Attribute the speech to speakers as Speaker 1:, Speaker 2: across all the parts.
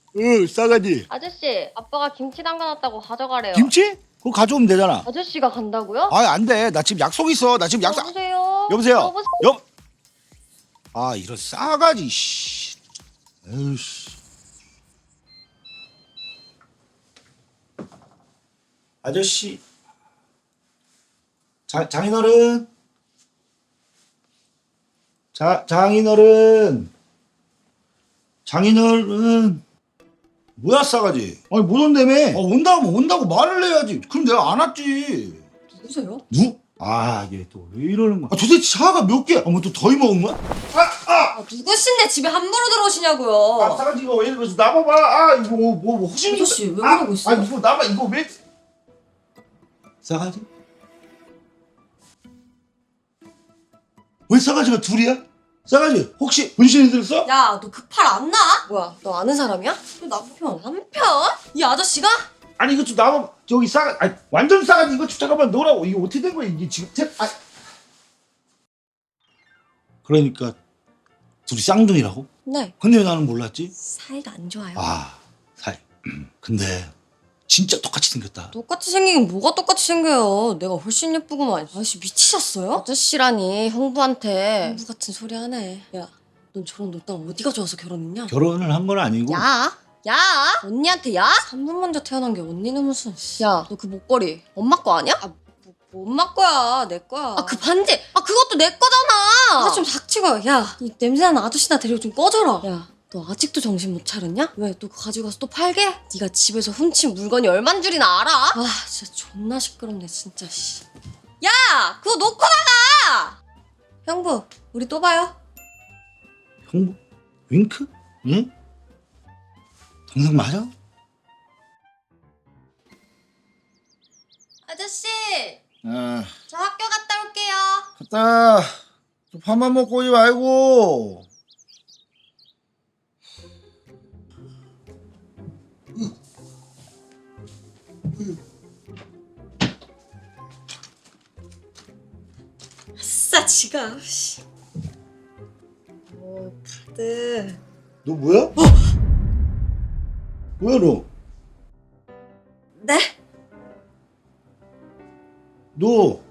Speaker 1: 응, 싸가지.
Speaker 2: 아저씨, 아빠가 김치 담가놨다고 가져가래요.
Speaker 1: 김치? 그거 가져오면 되잖아.
Speaker 2: 아저씨가 간다고요?
Speaker 1: 아, 안 돼. 나 지금 약속 있어. 나 지금 약속.
Speaker 2: 여보세요?
Speaker 1: 여보세요?
Speaker 2: 여보세요?
Speaker 1: 아, 이런 싸가지, 씨. 에휴, 씨. 아저씨. 장인어른. 장인어른. 장인어른. 뭐야, 싸가지? 아니, 못 온다며. 온다고 말을 해야지. 그럼 내가 안 왔지.
Speaker 3: 누구세요?
Speaker 1: 아, 얘 또 왜 이러는 거야? 아, 도대체 차가 몇 개야? 뭐 또 더위 먹은 거야?
Speaker 3: 누구신데 집에 함부로 들어오시냐고요.
Speaker 1: 싸가지 이거 왜 이러면서 나봐봐. 아, 이거 혹시
Speaker 3: 아저씨 왜 그러고 있어요?
Speaker 1: 아, 이거 나봐. 이거 왜? 싸가지? 왜 싸가지가 둘이야? 싸가지 혹시 분신이 들었어?
Speaker 3: 야, 너 그 팔 안 나? 뭐야, 너 아는 사람이야? 너 남편. 남편? 이 아저씨가?
Speaker 1: 아니 이거 좀 나봐. 저기 아니, 완전 싸가지 이거 좀 잠깐만 놓으라고. 이게 어떻게 된 거야 이게 지금? 그러니까 둘이 쌍둥이라고?
Speaker 3: 네.
Speaker 1: 근데 왜 나는 몰랐지?
Speaker 3: 사이가 안 좋아요.
Speaker 1: 아, 근데 진짜 똑같이 생겼다.
Speaker 3: 똑같이 생기긴 뭐가 똑같이 생겨요. 내가 훨씬 예쁘구만. 아저씨 미치셨어요? 아저씨라니 형부한테 형부 같은 소리 하네. 야, 넌 저런 노땅 어디가 좋아서 결혼했냐?
Speaker 1: 결혼을 한 건 아니고.
Speaker 3: 야! 언니한테 야? 3분 먼저 태어난 게 언니는 무슨. 야, 너 그 목걸이 엄마 거 아니야? 아, 뭐 엄마 거야. 내 거야. 아, 그 반지. 아, 그것도 내 거잖아. 아, 좀 닥치고. 야, 이 냄새나는 아저씨나 데리고 좀 꺼져라. 야, 너 아직도 정신 못 차렸냐? 왜, 또 그거 가지고 가서 또 팔게? 네가 집에서 훔친 물건이 얼만 줄이나 알아? 아, 진짜 존나 시끄럽네, 진짜, 씨. 야! 그거 놓고 나가! 형부, 우리 또 봐요.
Speaker 1: 형부? 윙크? 응? 동생 맞아?
Speaker 3: 아저씨!
Speaker 1: 아,
Speaker 3: 저 학교 갔다 올게요.
Speaker 1: 갔다. 밥만 먹고 오지 말고.
Speaker 3: 아싸, 지갑. 씨. 오, 카드.
Speaker 1: 너 뭐야? 뭐야 너?
Speaker 3: 네?
Speaker 1: 너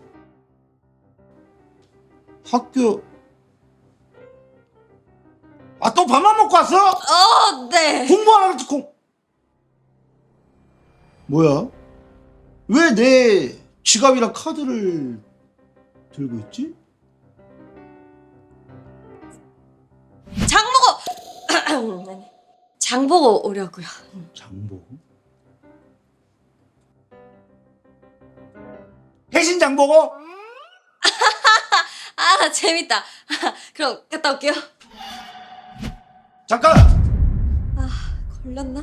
Speaker 1: 학교 또 밥만 먹고 왔어?
Speaker 3: 네.
Speaker 1: 공부하라고 했지 뭐야? 왜 내 지갑이랑 카드를 들고 있지?
Speaker 3: 장 보고 아니, 장 보고 오려고요.
Speaker 1: 장보고? 해신 장보고?
Speaker 3: 아, 재밌다. 그럼 갔다 올게요.
Speaker 1: 잠깐!
Speaker 3: 아, 걸렸나?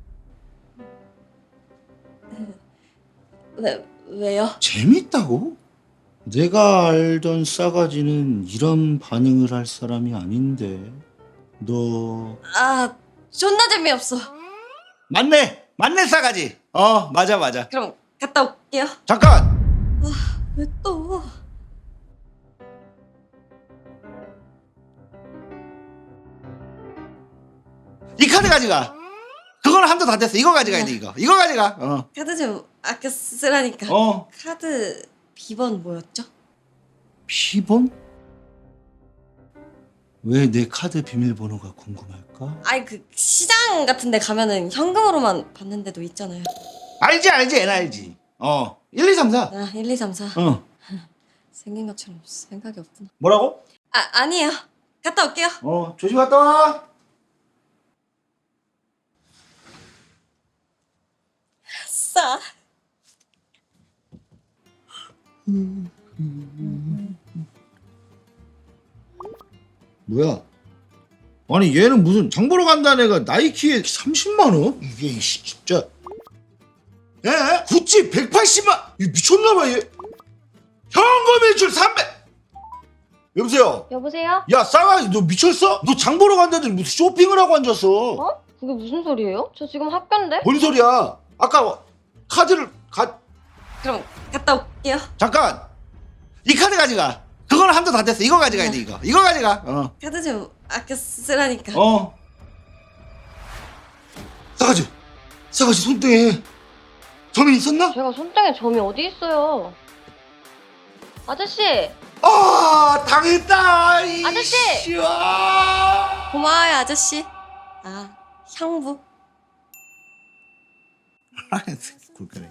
Speaker 3: 왜요?
Speaker 1: 재밌다고? 내가 알던 싸가지는 이런 반응을 할 사람이 아닌데 너...
Speaker 3: 아, 존나 재미없어.
Speaker 1: 맞네 싸가지. 맞아.
Speaker 3: 그럼 갔다 올게요.
Speaker 1: 잠깐!
Speaker 3: 왜 또?
Speaker 1: 이 카드 가져가. 그거는 한도 다 됐어. 이거 가져가야 돼. 이거 가져가.
Speaker 3: 카드 좀 아껴 쓰라니까. 카드 비번 뭐였죠?
Speaker 1: 비번? 왜 내 카드 비밀번호가 궁금할까?
Speaker 3: 아니, 그 시장 같은 데 가면은 현금으로만 받는 데도 있잖아요.
Speaker 1: 알지 애는 알지. 1, 2, 3, 4.
Speaker 3: 아, 1, 2, 3, 4. 생긴 것처럼 생각이 없구나.
Speaker 1: 뭐라고?
Speaker 3: 아니에요. 갔다 올게요.
Speaker 1: 조심 갔다 와.
Speaker 3: 아싸.
Speaker 1: 뭐야? 아니 얘는 무슨 장 보러 간다는 애가 나이키에 30만 원? 이게 진짜. 에? 구찌 180만? 이 미쳤나봐 얘. 현금 일출 300. 여보세요?
Speaker 2: 여보세요?
Speaker 1: 야 싸가지 너 미쳤어? 너 장 보러 간다더니 무슨 쇼핑을 하고 앉았어?
Speaker 2: 어? 그게 무슨 소리예요? 저 지금 학교인데?
Speaker 1: 뭔 소리야? 아까 카드를
Speaker 3: 그럼 갔다 올게요.
Speaker 1: 잠깐! 이 카드 가져가. 그거는 한도 다 됐어. 이거 가져가야 돼. 이거 가져가.
Speaker 3: 카드 좀 아껴 쓰라니까.
Speaker 1: 싸가지 손등에 점이 있었나?
Speaker 2: 제가 손등에 점이 어디 있어요? 아저씨!
Speaker 1: 아 당했다 이
Speaker 2: 아저씨!
Speaker 1: 씨와.
Speaker 3: 고마워요 아저씨. 아 형부.
Speaker 1: 굴까네.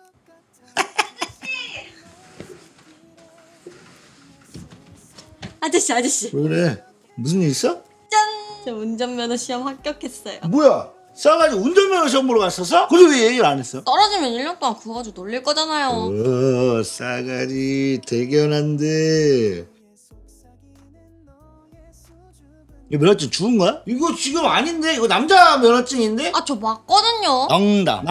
Speaker 3: 아저씨.
Speaker 1: 왜 그래? 무슨 일 있어?
Speaker 3: 짠! 저 운전면허 시험 합격했어요.
Speaker 1: 뭐야? 싸가지 운전면허 시험 보러 갔었어? 근데 왜 얘기를 안 했어?
Speaker 3: 떨어지면 1년 동안 그거 가지고 놀릴 거잖아요.
Speaker 1: 싸가지 대견한데. 이거 면허증 죽은 거야? 이거 지금 아닌데? 이거 남자 면허증인데?
Speaker 3: 아 저 맞거든요.
Speaker 1: 농담.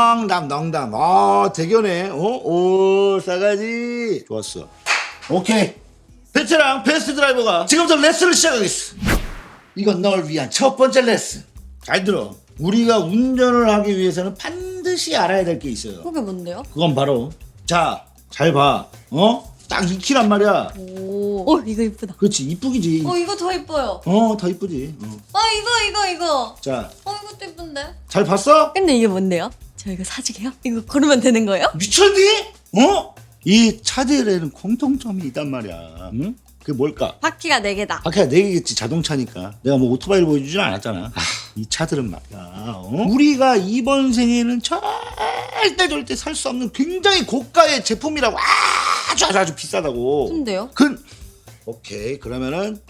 Speaker 1: 아 대견해. 오 싸가지. 좋았어. 오케이. 베테랑 베스트 드라이버가 지금부터 레슨을 시작하겠어. 이건 널 위한 첫 번째 레슨. 잘 들어. 우리가 운전을 하기 위해서는 반드시 알아야 될 게 있어요.
Speaker 3: 그게 뭔데요?
Speaker 1: 그건 바로 자, 잘 봐. 딱 익히란 말이야.
Speaker 3: 오 이거 이쁘다.
Speaker 1: 그렇지, 이쁘기지.
Speaker 3: 이거 더 이뻐요.
Speaker 1: 더 이쁘지.
Speaker 3: 이거.
Speaker 1: 자,
Speaker 3: 이것도 이쁜데.
Speaker 1: 잘 봤어?
Speaker 3: 근데 이게 뭔데요? 저 이거 사주게요? 이거 걸으면 되는 거예요?
Speaker 1: 미쳤니? 이 차들에는 공통점이 있단 말이야. 응? 그게 뭘까?
Speaker 3: 바퀴가 4개다.
Speaker 1: 바퀴가 4개겠지, 자동차니까. 내가 뭐 오토바이를 보여주진 않았잖아. 이 차들은 말이야. 우리가 이번 생에는 절대 살 수 없는 굉장히 고가의 제품이라고. 아주 비싸다고.
Speaker 3: 근데요?
Speaker 1: 오케이. 그러면은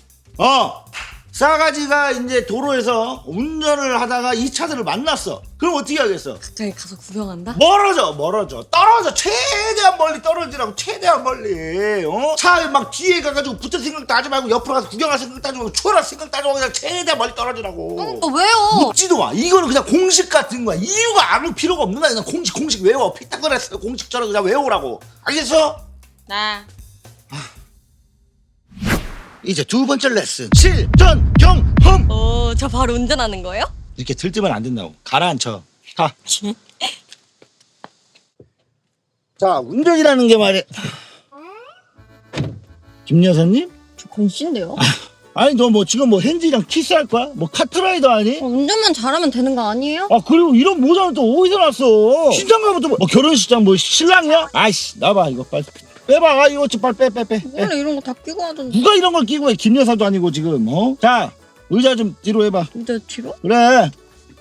Speaker 1: 싸가지가 이제 도로에서 운전을 하다가 이 차들을 만났어. 그럼 어떻게 하겠어?
Speaker 3: 갑자기 가서 구경한다?
Speaker 1: 멀어져. 떨어져. 최대한 멀리 떨어지라고. 최대한 멀리. 차에 막 뒤에 가가지고 붙을 생각도 하지 말고 옆으로 가서 구경할 생각도 하지 말고 추월할 생각도 하지 말고 그냥 최대한 멀리 떨어지라고.
Speaker 3: 그러니까 왜요?
Speaker 1: 묻지도 마. 이거는 그냥 공식 같은 거야. 이유가 아무 필요가 없는 거야. 그냥 공식 외워. 피타고라스 공식처럼 그냥 외우라고. 알겠어?
Speaker 3: 네.
Speaker 1: 이제 두 번째 레슨. 실전 경험.
Speaker 3: 저 바로 운전하는 거예요?
Speaker 1: 이렇게 들뜨면 안 된다고. 가라앉혀. 가. 자, 운전이라는 게 말이야. 김 여사님?
Speaker 3: 저 건씨인데요?
Speaker 1: 아니 너 뭐 지금 뭐 핸즈랑 키스할 거야? 뭐 카트라이더 아니?
Speaker 3: 운전만 잘하면 되는 거 아니에요?
Speaker 1: 그리고 이런 모자는 또 어디서 났어? 신장 가면 뭐 결혼식장 뭐 신랑이야? 아이씨 나봐 이거 빨리 빼봐. 이거 좀 빨리 빼.
Speaker 3: 원래 이런 거 다 끼고 하던데.
Speaker 1: 누가 이런 걸 끼고 해? 김 여사도 아니고 지금 자 의자 좀 뒤로 해봐.
Speaker 3: 근데 뒤로?
Speaker 1: 그래.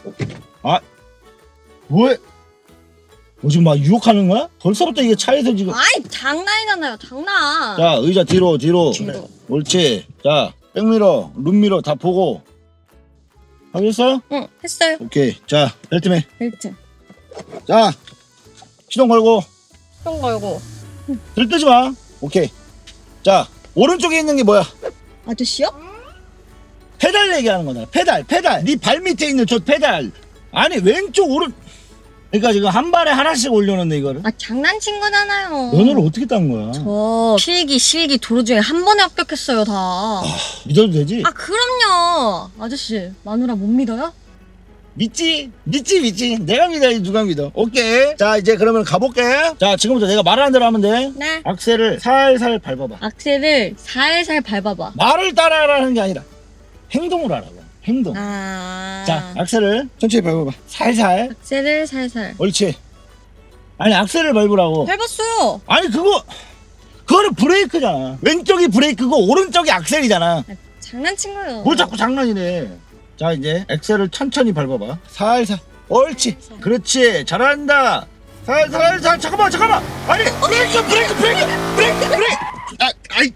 Speaker 1: 뭐해? 지금 막 유혹하는 거야? 벌써부터 이게 차에서 지금.
Speaker 3: 아이 장난이잖아요 장난.
Speaker 1: 자 의자 뒤로.
Speaker 3: 뒤로.
Speaker 1: 그래. 옳지. 자 백미러 룸미러 다 보고 하겠어?
Speaker 3: 응 했어요.
Speaker 1: 오케이. 자 벨트맨.
Speaker 3: 벨트.
Speaker 1: 자 시동 걸고
Speaker 3: 시동 걸고.
Speaker 1: 들뜨지 마. 오케이. 자 오른쪽에 있는 게 뭐야?
Speaker 3: 아저씨요?
Speaker 1: 페달 얘기하는 거잖아. 페달. 네 발 밑에 있는 저 페달. 아니 왼쪽 오른. 그러니까 지금 한 발에 하나씩 올려놓네 이거를.
Speaker 3: 장난친 거잖아요.
Speaker 1: 면허를 어떻게 딴 거야?
Speaker 3: 저 실기 도로 중에 한 번에 합격했어요 다.
Speaker 1: 믿어도 되지?
Speaker 3: 그럼요. 아저씨 마누라 못 믿어요?
Speaker 1: 믿지. 내가 믿어야지 누가 믿어. 오케이. 자 이제 그러면 가볼게. 자 지금부터 내가 말하는 대로 하면 돼.
Speaker 3: 네.
Speaker 1: 악셀을 살살 밟아봐.
Speaker 3: 악셀을 살살 밟아봐.
Speaker 1: 말을 따라하라는 게 아니라 행동을 하라고. 행동. 자 악셀을 천천히 밟아봐. 살살.
Speaker 3: 악셀을 살살.
Speaker 1: 옳지. 아니 악셀을 밟으라고.
Speaker 3: 밟았어요.
Speaker 1: 아니 그거는 브레이크잖아. 왼쪽이 브레이크고 오른쪽이 악셀이잖아.
Speaker 3: 장난친 거예요.
Speaker 1: 뭘 자꾸 장난이네. 자 이제 엑셀을 천천히 밟아봐. 살살. 옳지. 그렇지. 잘한다. 살살. 잠깐만. 아니 브레이크. 아이.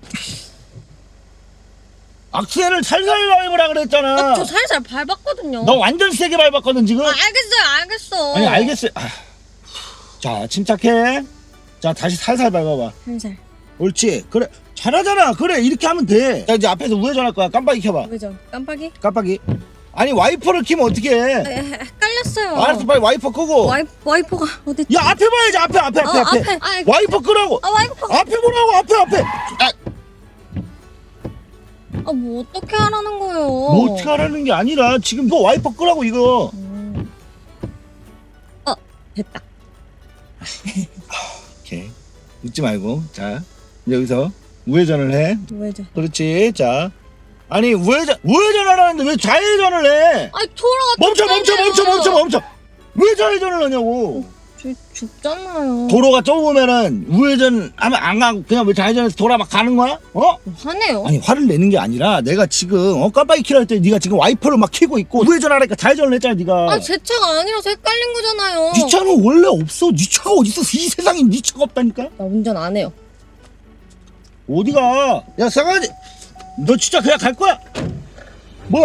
Speaker 1: 악셀을 살살 밟으라 그랬잖아.
Speaker 3: 저 살살 밟았거든요.
Speaker 1: 너 완전 세게 밟았거든 지금.
Speaker 3: 알겠어.
Speaker 1: 아니 알겠어요. 자 침착해. 자 다시 살살 밟아봐.
Speaker 3: 살살.
Speaker 1: 옳지. 그래 잘하잖아. 그래 이렇게 하면 돼. 자 이제 앞에서 우회전할 거야. 깜빡이 켜봐.
Speaker 3: 왜죠?
Speaker 1: 깜빡이. 아니 와이퍼를 켜면 어떻게 해?
Speaker 3: 헷갈렸어요.
Speaker 1: 알았어 빨리 와이퍼 끄고.
Speaker 3: 와이퍼가 어디?
Speaker 1: 야 앞에 봐야지. 앞에.
Speaker 3: 앞에.
Speaker 1: 와이퍼 끄라고.
Speaker 3: 와이퍼가.
Speaker 1: 앞에 보라고. 앞에.
Speaker 3: 뭐 어떻게 하라는 거예요?
Speaker 1: 뭐 어떻게 하라는 게 아니라 지금 너 와이퍼 끄라고 이거.
Speaker 3: 됐다.
Speaker 1: 오케이. 웃지 말고. 자 이제 여기서 우회전을 해.
Speaker 3: 왜죠?
Speaker 1: 그렇지. 자 아니 우회전하라는데 왜 좌회전을 해?
Speaker 3: 돌아가.
Speaker 1: 멈춰. 왜 좌회전을 하냐고.
Speaker 3: 저 좁잖아요.
Speaker 1: 도로가 좁으면은 우회전 하면 안 가고 그냥 왜 좌회전해서 돌아 막 가는 거야? 어?
Speaker 3: 화내요.
Speaker 1: 아니 화를 내는 게 아니라 내가 지금 깜빡이 켜라 했더니 네가 지금 와이퍼를 막 켜고 있고 우회전하라니까 좌회전을 했잖아 네가.
Speaker 3: 제 차가 아니라서 헷갈린 거잖아요.
Speaker 1: 네 차는 원래 없어. 네 차가 어딨어. 이 세상에 네 차가 없다니까.
Speaker 3: 나 운전 안 해요.
Speaker 1: 어디가? 야 싸가지. 너 진짜 그냥 갈 거야? 뭐야?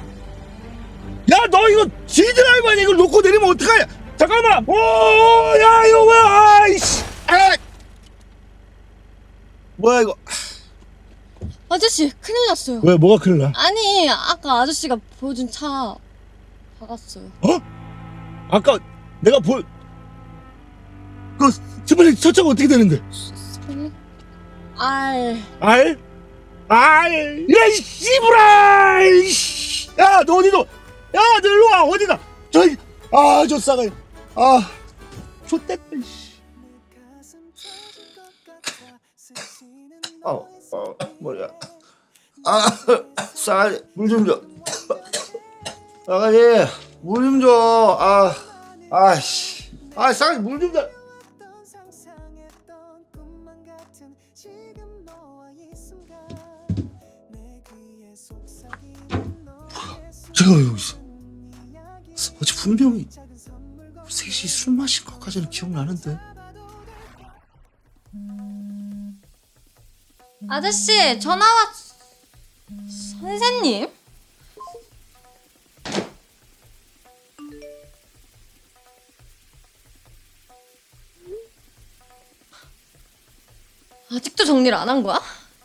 Speaker 1: 야 너 이거 G드라이브 아니야? 이걸 놓고 내리면 어떡하냐? 잠깐만. 오야 이거 뭐야? 아이씨. 아. 뭐야 이거?
Speaker 3: 아저씨 큰일 났어요.
Speaker 1: 왜 뭐가 큰일 나?
Speaker 3: 아니 아까 아저씨가 보여준 차 박았어요.
Speaker 1: 어? 아까 내가 그 스플릿 첫 차가 어떻게 되는데?
Speaker 3: 알.
Speaker 1: 알? 알? 야, 이 씨부라! 야, 너 어디도? 야, 너 일로 와, 어디가? 저 싸가지. 좆됐다, 씨. 뭐야. 싸가지, 물 좀 줘. 싸가지, 물 좀 줘. 씨. 싸가지, 물 좀 줘. 제가 왜 여기 있어? 어제 분명히 셋이 술 마신 것까지는 기억나는데.
Speaker 3: 아저씨 전화 왔. 선생님? 아직도 정리를 안 한 거야?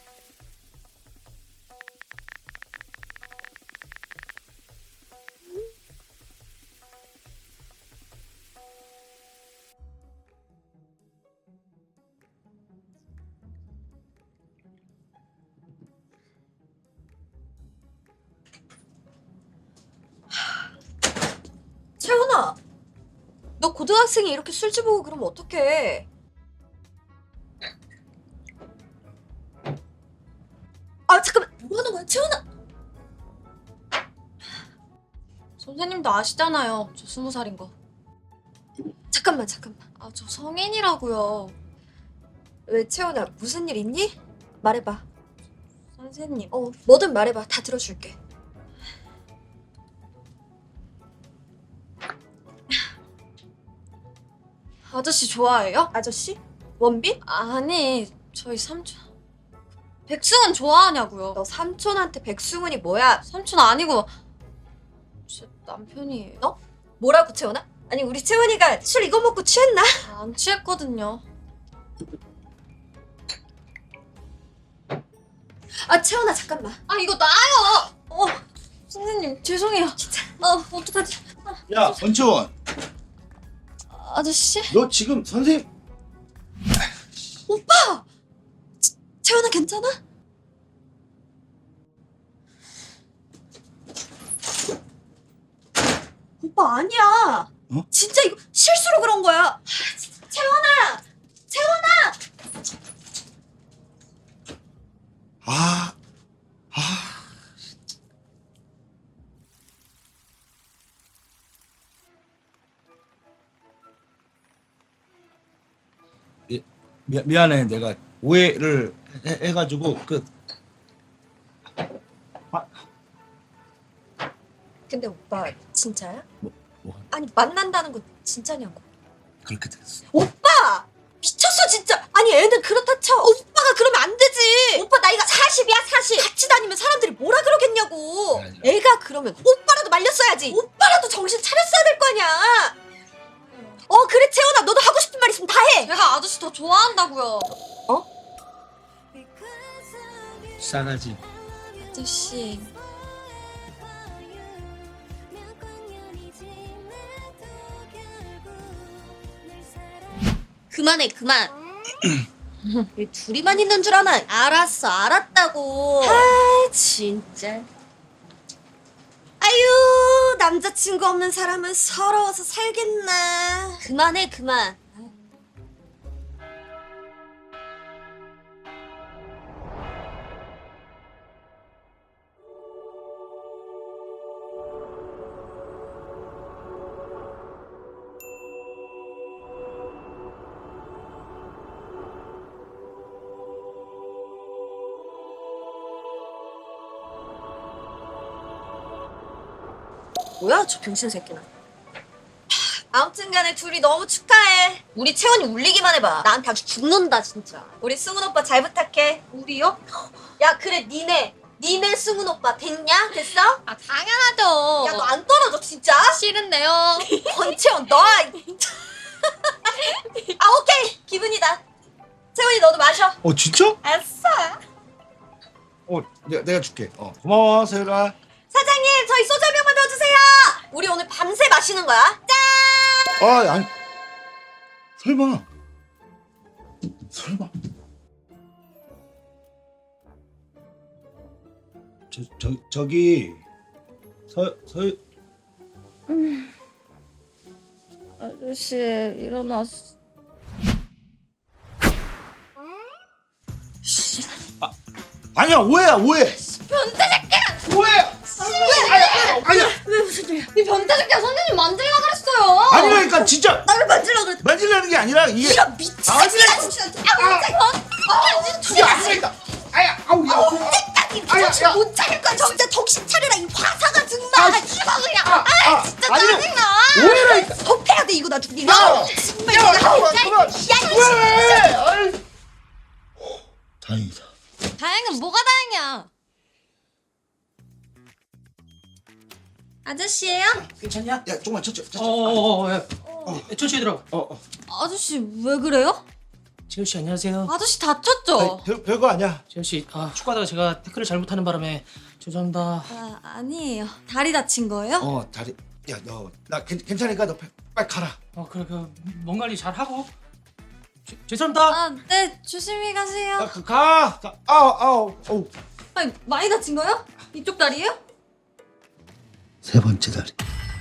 Speaker 4: 채원아, 너 고등학생이 이렇게 술집 오고 그러면 어떡해? 잠깐만, 뭐 하는 거야, 채원아?
Speaker 3: 선생님도 아시잖아요. 저 20살인 거.
Speaker 4: 잠깐만.
Speaker 3: 저 성인이라고요.
Speaker 4: 왜 채원아, 무슨 일 있니? 말해봐.
Speaker 3: 선생님.
Speaker 4: 뭐든 말해봐. 다 들어줄게.
Speaker 3: 아저씨 좋아해요?
Speaker 4: 아저씨? 원빈?
Speaker 3: 아니 저희 삼촌. 백승은 좋아하냐고요.
Speaker 4: 너 삼촌한테 백승훈이 뭐야?
Speaker 3: 삼촌 아니고 제 남편이에요.
Speaker 4: 뭐라고 채원아? 아니 우리 채원이가 술 이거 먹고 취했나?
Speaker 3: 안 취했거든요.
Speaker 4: 채원아 잠깐만.
Speaker 3: 이거 나요. 선생님 죄송해요. 진짜. 어떡하지?
Speaker 1: 야, 권채원.
Speaker 3: 아저씨?
Speaker 1: 너 지금 선생님.
Speaker 4: 채원아 괜찮아? 오빠 아니야. 진짜 이거 실수로 그런 거야. 채원아!
Speaker 1: 미안해. 내가 오해를 해가지고
Speaker 4: 근데 오빠 진짜야?
Speaker 1: 뭐?
Speaker 4: 아니 만난다는 거 진짜냐고.
Speaker 1: 그렇게 됐어.
Speaker 4: 오빠! 미쳤어 진짜. 아니 애는 그렇다 쳐. 오빠가 그러면 안 되지. 오빠 나이가 40이야 40. 같이 다니면 사람들이 뭐라 그러겠냐고.
Speaker 1: 아니야.
Speaker 4: 애가 그러면 오빠라도 말렸어야지. 오빠라도 정신 차렸어야 될 거 아니야. 그래 채원아 너도 하고 싶은 말 있으면 다 해.
Speaker 3: 제가 아저씨 더 좋아한다고요.
Speaker 1: 싸가지.
Speaker 3: 아저씨.
Speaker 4: 그만해 그만. 왜 둘이만 있는 줄 아나? 알았어 알았다고. 진짜. 아유 남자친구 없는 사람은 서러워서 살겠나. 그만해 그만. 뭐야 저 병신 새끼는. 아무튼간에 둘이 너무 축하해. 우리 채원이 울리기만 해봐. 나한테 아주 죽는다 진짜. 우리 승훈 오빠 잘 부탁해. 우리요? 야 그래 니네 승훈 오빠 됐냐? 됐어?
Speaker 3: 아 당연하죠.
Speaker 4: 야 너 안 떨어져 진짜?
Speaker 3: 싫은데요.
Speaker 4: 권채원 너. 아 오케이 기분이다. 채원이 너도 마셔.
Speaker 1: 진짜?
Speaker 4: 아싸.
Speaker 1: 내가 줄게. 고마워 세율아.
Speaker 4: 사장님 저희 소주 한 병만 더 주세요. 우리 오늘 밤새 마시는 거야. 짠.
Speaker 1: 아니 설마 저기
Speaker 3: 아저씨 일어났어.
Speaker 1: 아니야 오해
Speaker 3: 변태 새끼야.
Speaker 1: 오해야 아니야
Speaker 3: 왜 무슨 일이야? 이 변태 새끼야 선생님 만들라 그랬어요.
Speaker 1: 아니라니까 진짜
Speaker 4: 나를 만지려고 그랬.
Speaker 1: 만지려는 게 아니라 이게
Speaker 4: 이런 미친 새끼야 진짜.
Speaker 1: 그게 아니라니까 아우 야
Speaker 4: 언제까지 정신 못 차릴 거야. 정신 정신 차려라 이 화사가 정말.
Speaker 3: 이거 그냥. 진짜
Speaker 1: 아니라
Speaker 3: 짜증나.
Speaker 1: 오해라니까
Speaker 4: 덮해야 돼 이거 나중에. 정말
Speaker 1: 야
Speaker 4: 내가
Speaker 1: 그만 왜 다행이다.
Speaker 3: 다행은 뭐가 다행이야? 아저씨예요?
Speaker 5: 괜찮냐?
Speaker 1: 야 조금만 천천히
Speaker 5: 야. 천천히 들어.
Speaker 3: 아저씨 왜 그래요?
Speaker 5: 재현 씨 안녕하세요.
Speaker 3: 아저씨 다쳤죠?
Speaker 1: 별거 아니야.
Speaker 5: 재현 씨, 축구하다가 제가 태클을 잘못하는 바람에 죄송합니다.
Speaker 3: 아 아니에요. 다리 다친 거예요?
Speaker 1: 다리 야 너 나 괜찮으니까 너 빨리 가라.
Speaker 5: 그래 몸 관리 잘 하고. 죄송합니다.
Speaker 3: 아 네 조심히 가세요.
Speaker 1: 가 아우
Speaker 3: 아니 많이 다친 거요? 이쪽 다리예요?
Speaker 1: 세 번째 다리.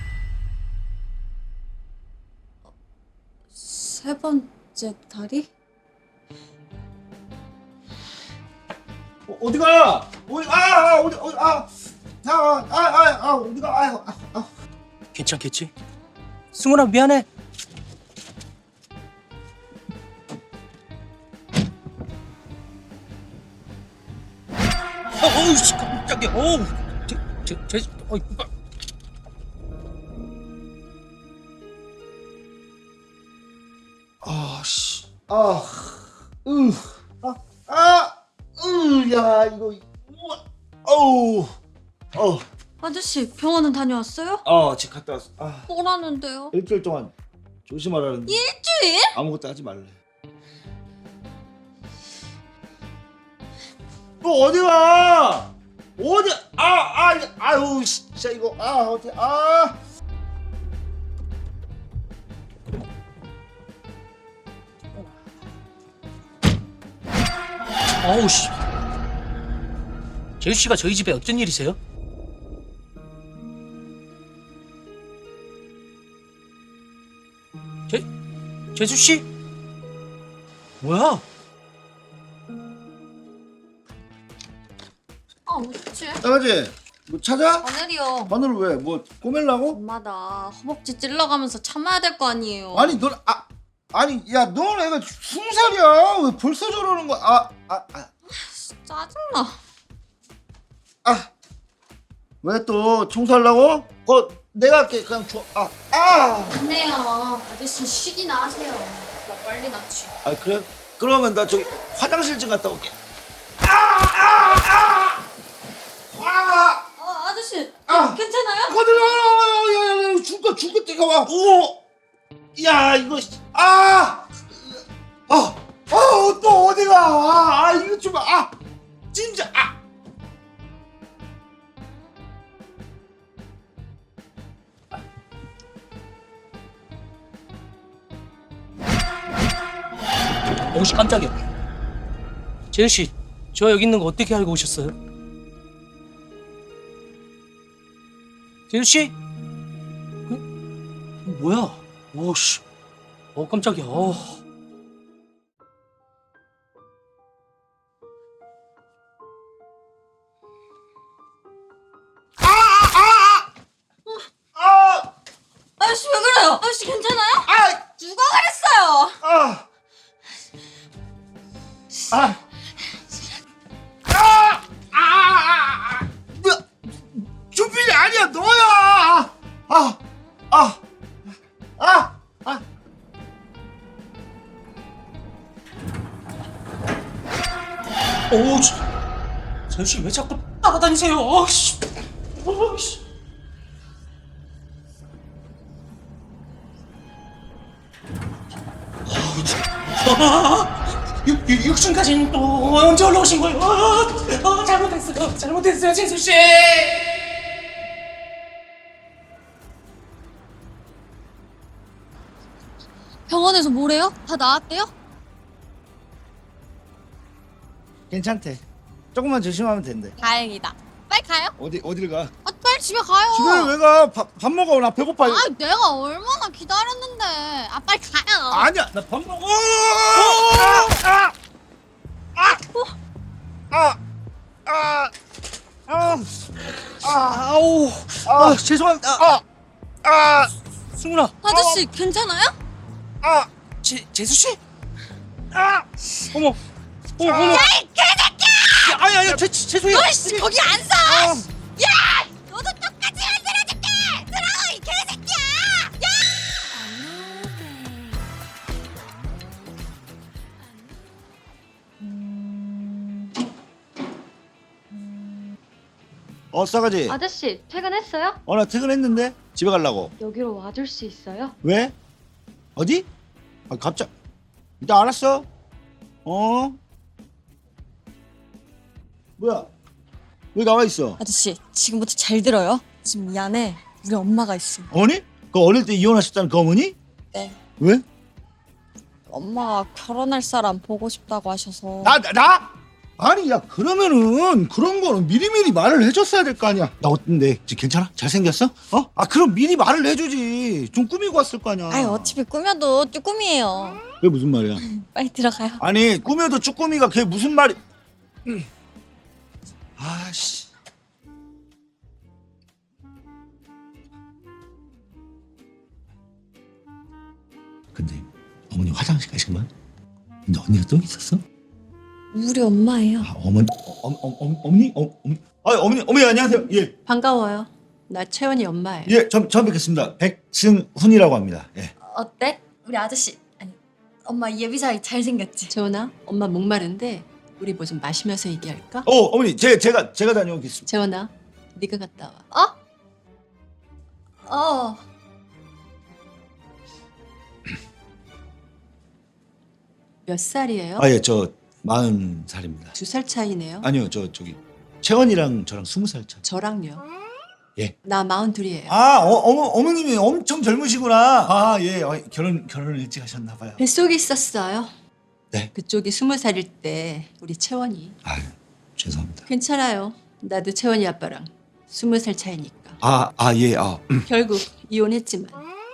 Speaker 3: 세 번째 다리?
Speaker 1: 어디가? 어디가?
Speaker 5: 괜찮겠지? 승훈아 미안해. 어우 씨 깜짝이야. 어우
Speaker 1: 야 이거
Speaker 3: 아저씨 병원은 다녀왔어요?
Speaker 1: 지금 갔다 왔어.
Speaker 3: 뭐라는데요?
Speaker 1: 일주일 동안 조심하라는데
Speaker 3: 일주일?
Speaker 1: 아무것도 하지 말래. 너 어디가? 어디? 아유 진짜 이거 어디?
Speaker 5: 어우 씨. 재수 씨가 저희 집에 어쩐 일이세요? 재수 씨? 뭐야?
Speaker 3: 어찌?
Speaker 1: 나가지. 뭐 찾아?
Speaker 3: 바늘이요.
Speaker 1: 바늘을 왜? 뭐 꼬매려고?
Speaker 3: 엄마 나 허벅지 찔러가면서 참아야 될 거 아니에요.
Speaker 1: 아니 넌 아니 야 넌 애가 20살이야. 왜 벌써 저러는 거야?
Speaker 3: 짜증나.
Speaker 1: 왜 또 청소하려고? 내가 할게. 그냥 줘.
Speaker 3: 안 돼요. 아저씨 쉬기나 하세요. 나 빨리 낫지.
Speaker 1: 그래? 그러면 나 저기 화장실 좀 갔다 올게.
Speaker 3: 아저씨 괜찮아요?
Speaker 1: 야야야 죽을 때가 와. 야 이거 또 어디가? 이거 좀 진짜
Speaker 5: 어우 씨 깜짝이야. 재현 씨, 저 여기 있는 거 어떻게 알고 오셨어요? 재현 씨? 뭐야? 오 씨. 깜짝이야.
Speaker 3: 아저씨 왜 그래요? 아저씨 괜찮아요? 누가 그랬어요?
Speaker 1: 준빈이 아니야 너야. 아, 아, 아, 아.
Speaker 5: 오, 재현 씨 왜 자꾸 따라다니세요? 아씨. 아씨. 육층까지는 또 언제 올라오신 거예요? 잘못했어요, 재수 씨.
Speaker 3: 병원에서 뭐래요? 다 나았대요?
Speaker 1: 괜찮대. 조금만 조심하면 된대.
Speaker 3: 다행이다. 빨리 가요.
Speaker 1: 어디를 가?
Speaker 3: 아, 빨리 집에 가요.
Speaker 1: 집에 왜 가? 밥 먹어. 나 배고파.
Speaker 3: 아, 내가 얼마나 기다렸는데. 아, 빨리 가요.
Speaker 1: 아니야. 나 밥 먹어. 아우. 죄송합니다.
Speaker 5: 승훈아,
Speaker 3: 아저씨, 괜찮아요?
Speaker 5: 재수 씨? 어머, 어머.
Speaker 3: 야, 이 개새끼야!
Speaker 5: 아니, 죄송해요.
Speaker 3: 너씨 거기 안 서! 야! 너도 똑같이 만들어줄게! 들어, 이 개새끼야! 야!
Speaker 1: 싸가지.
Speaker 2: 아저씨, 퇴근했어요?
Speaker 1: 나 퇴근했는데 집에 가려고.
Speaker 2: 여기로 와줄 수 있어요?
Speaker 1: 왜? 어디? 갑자기. 일단 알았어. 뭐야? 왜 나와 있어?
Speaker 3: 아저씨, 지금부터 잘 들어요. 지금 이 안에 우리 엄마가 있어.
Speaker 1: 어머니? 그 어릴 때 이혼하셨다는 그 어머니?
Speaker 3: 네.
Speaker 1: 왜?
Speaker 3: 엄마가 결혼할 사람 보고 싶다고 하셔서.
Speaker 1: 나? 아니 야 그러면은 그런 거는 미리미리 말을 해줬어야 될 거 아니야. 나 어떤데? 지금 괜찮아? 잘생겼어? 그럼 미리 말을 해주지. 좀 꾸미고 왔을 거 아니야.
Speaker 3: 아이, 어차피 꾸며도 쭈꾸미예요.
Speaker 1: 그게 무슨 말이야?
Speaker 3: 빨리 들어가요.
Speaker 1: 아니 꾸며도 쭈꾸미가 그게 무슨 말이? 아씨. 근데 어머니 화장실 가신 거야? 근데 언니가 또 있었어?
Speaker 3: 우리 엄마예요.
Speaker 1: 어머니, 어머니, 어머니 안녕하세요. 예,
Speaker 6: 반가워요. 나 채원이 엄마예요.
Speaker 1: 예, 처음 뵙겠습니다. 백승훈이라고 합니다. 예.
Speaker 3: 어때? 우리 아저씨, 아니, 엄마 예비사위 잘생겼지?
Speaker 6: 채원아, 엄마 목마른데 우리 뭐 좀 마시면서 얘기할까?
Speaker 1: 어머니, 제가 다녀오겠습니다.
Speaker 6: 채원아, 네가 갔다 와. 몇 살이에요?
Speaker 1: 예, 저 40살입니다.
Speaker 6: 2살 차이네요.
Speaker 1: 아니요, 저기 채원이랑 저랑 20살 차.
Speaker 6: 저랑요.
Speaker 1: 예.
Speaker 6: 나 42이에요.
Speaker 1: 어머님이 엄청 젊으시구나. 예, 결혼을 일찍 하셨나 봐요.
Speaker 6: 뱃속에 있었어요.
Speaker 1: 네.
Speaker 6: 그쪽이 20살일 때 우리 채원이.
Speaker 1: 죄송합니다.
Speaker 6: 괜찮아요. 나도 채원이 아빠랑 20살 차이니까.
Speaker 1: 예,
Speaker 6: 결국 이혼했지만.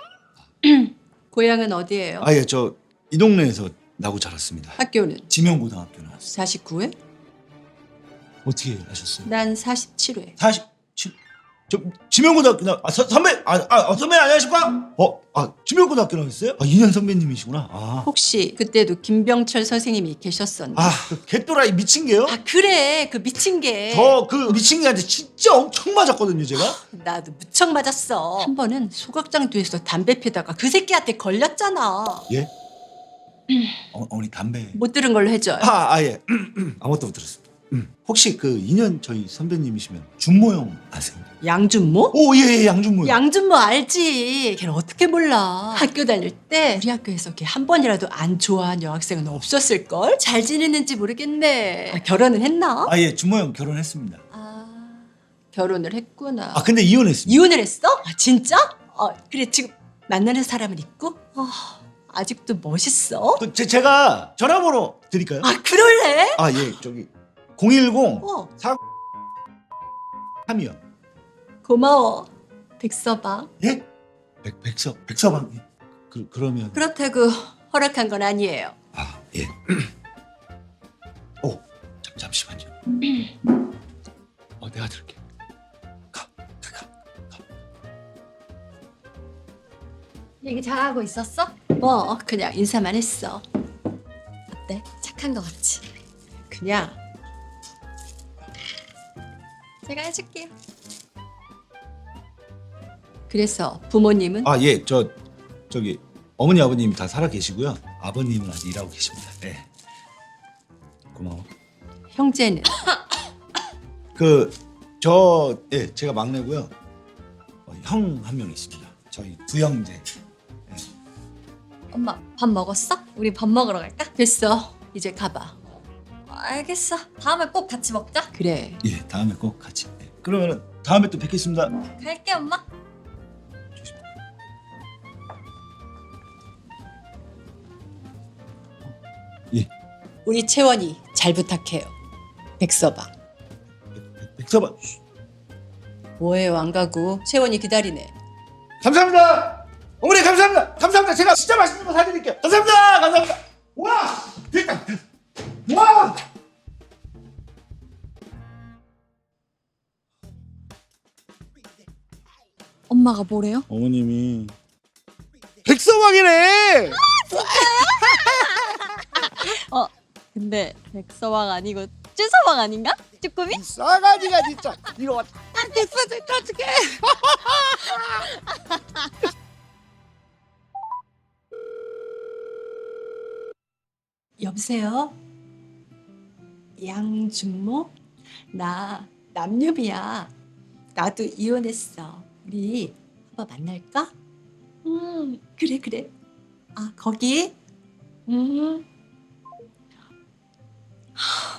Speaker 6: 고향은 어디예요?
Speaker 1: 예, 저 이 동네에서 나고 자랐습니다.
Speaker 6: 학교는?
Speaker 1: 지명고등학교 나왔어요.
Speaker 6: 49회?
Speaker 1: 어떻게 하셨어요?
Speaker 6: 난 47회.
Speaker 1: 47. 저 지명고등학교 선배 선배 안녕하십니까? 지명고등학교 나왔어요? 2년 선배님이시구나.
Speaker 6: 혹시 그때도 김병철 선생님이 계셨었나?
Speaker 1: 그 개또라이 미친 게요?
Speaker 6: 그래, 그 미친 게.
Speaker 1: 저 그 미친 개한테 진짜 엄청 맞았거든요, 제가.
Speaker 6: 나도 무척 맞았어. 한 번은 소각장 뒤에서 담배 피다가 그 새끼한테 걸렸잖아.
Speaker 1: 예? 어머니 담배.
Speaker 6: 못 들은 걸로 해줘요.
Speaker 1: 예. 아무것도 못 들었습니다. 혹시 그 2년 저희 선배님이시면 준모형 아세요?
Speaker 6: 양준모?
Speaker 1: 예, 양준모요.
Speaker 6: 양준모 알지. 걔는 어떻게 몰라. 학교 다닐 때 우리 학교에서 걔 한 번이라도 안 좋아한 여학생은 없었을걸? 잘 지내는지 모르겠네. 결혼은 했나?
Speaker 1: 예, 준모형 결혼했습니다.
Speaker 6: 결혼을 했구나.
Speaker 1: 근데 이혼했습니다.
Speaker 6: 이혼을 했어? 진짜? 그래, 지금 만나는 사람은 있고? 아직도 멋있어?
Speaker 1: 제가 전화번호 드릴까요?
Speaker 6: 그럴래?
Speaker 1: 예, 저기 010 4 3이요.
Speaker 6: 고마워. 백서방.
Speaker 1: 예? 백서방. 그러면
Speaker 6: 그렇다고 허락한 건 아니에요.
Speaker 1: 예. 잠시만요. 내가 들을게. 가.
Speaker 3: 얘기 잘하고 있었어?
Speaker 6: 뭐 그냥 인사만 했어.
Speaker 3: 어때? 착한 거 같지?
Speaker 6: 그냥
Speaker 3: 제가 해줄게요.
Speaker 6: 그래서 부모님은?
Speaker 1: 아, 예. 저기 어머니 아버님 다 살아 계시고요. 아버님은 아직 일하고 계십니다. 네. 고마워.
Speaker 6: 형제는?
Speaker 1: 예, 제가 막내고요. 형 한 명 있습니다. 저희 두 형제.
Speaker 3: 엄마 밥 먹었어? 우리 밥 먹으러 갈까?
Speaker 6: 됐어. 이제 가봐.
Speaker 3: 알겠어. 다음에 꼭 같이 먹자.
Speaker 6: 그래.
Speaker 1: 예, 다음에 꼭 같이. 예. 그러면은 다음에 또 뵙겠습니다.
Speaker 3: 갈게 엄마.
Speaker 1: 예,
Speaker 6: 우리 채원이 잘 부탁해요. 백서방.
Speaker 1: 백서방.
Speaker 6: 뭐해요 안 가고. 채원이 기다리네.
Speaker 1: 감사합니다. 어머니 감사합니다. 감사합니다. 제가 진짜 맛있는 거 사드릴게요. 감사합니다. 감사합니다. 와, 됐다. 와.
Speaker 3: 엄마가 뭐래요?
Speaker 1: 어머님이 백서방이네.
Speaker 3: 근데 백서왕 아니고 쭈서왕 아닌가? 쭈꾸미?
Speaker 1: 싸가지가 진짜 이거 됐어 어떡해.
Speaker 6: 여보세요? 양준모? 나 남유미야. 나도 이혼했어. 우리 한번 만날까? 그래. 아, 거기?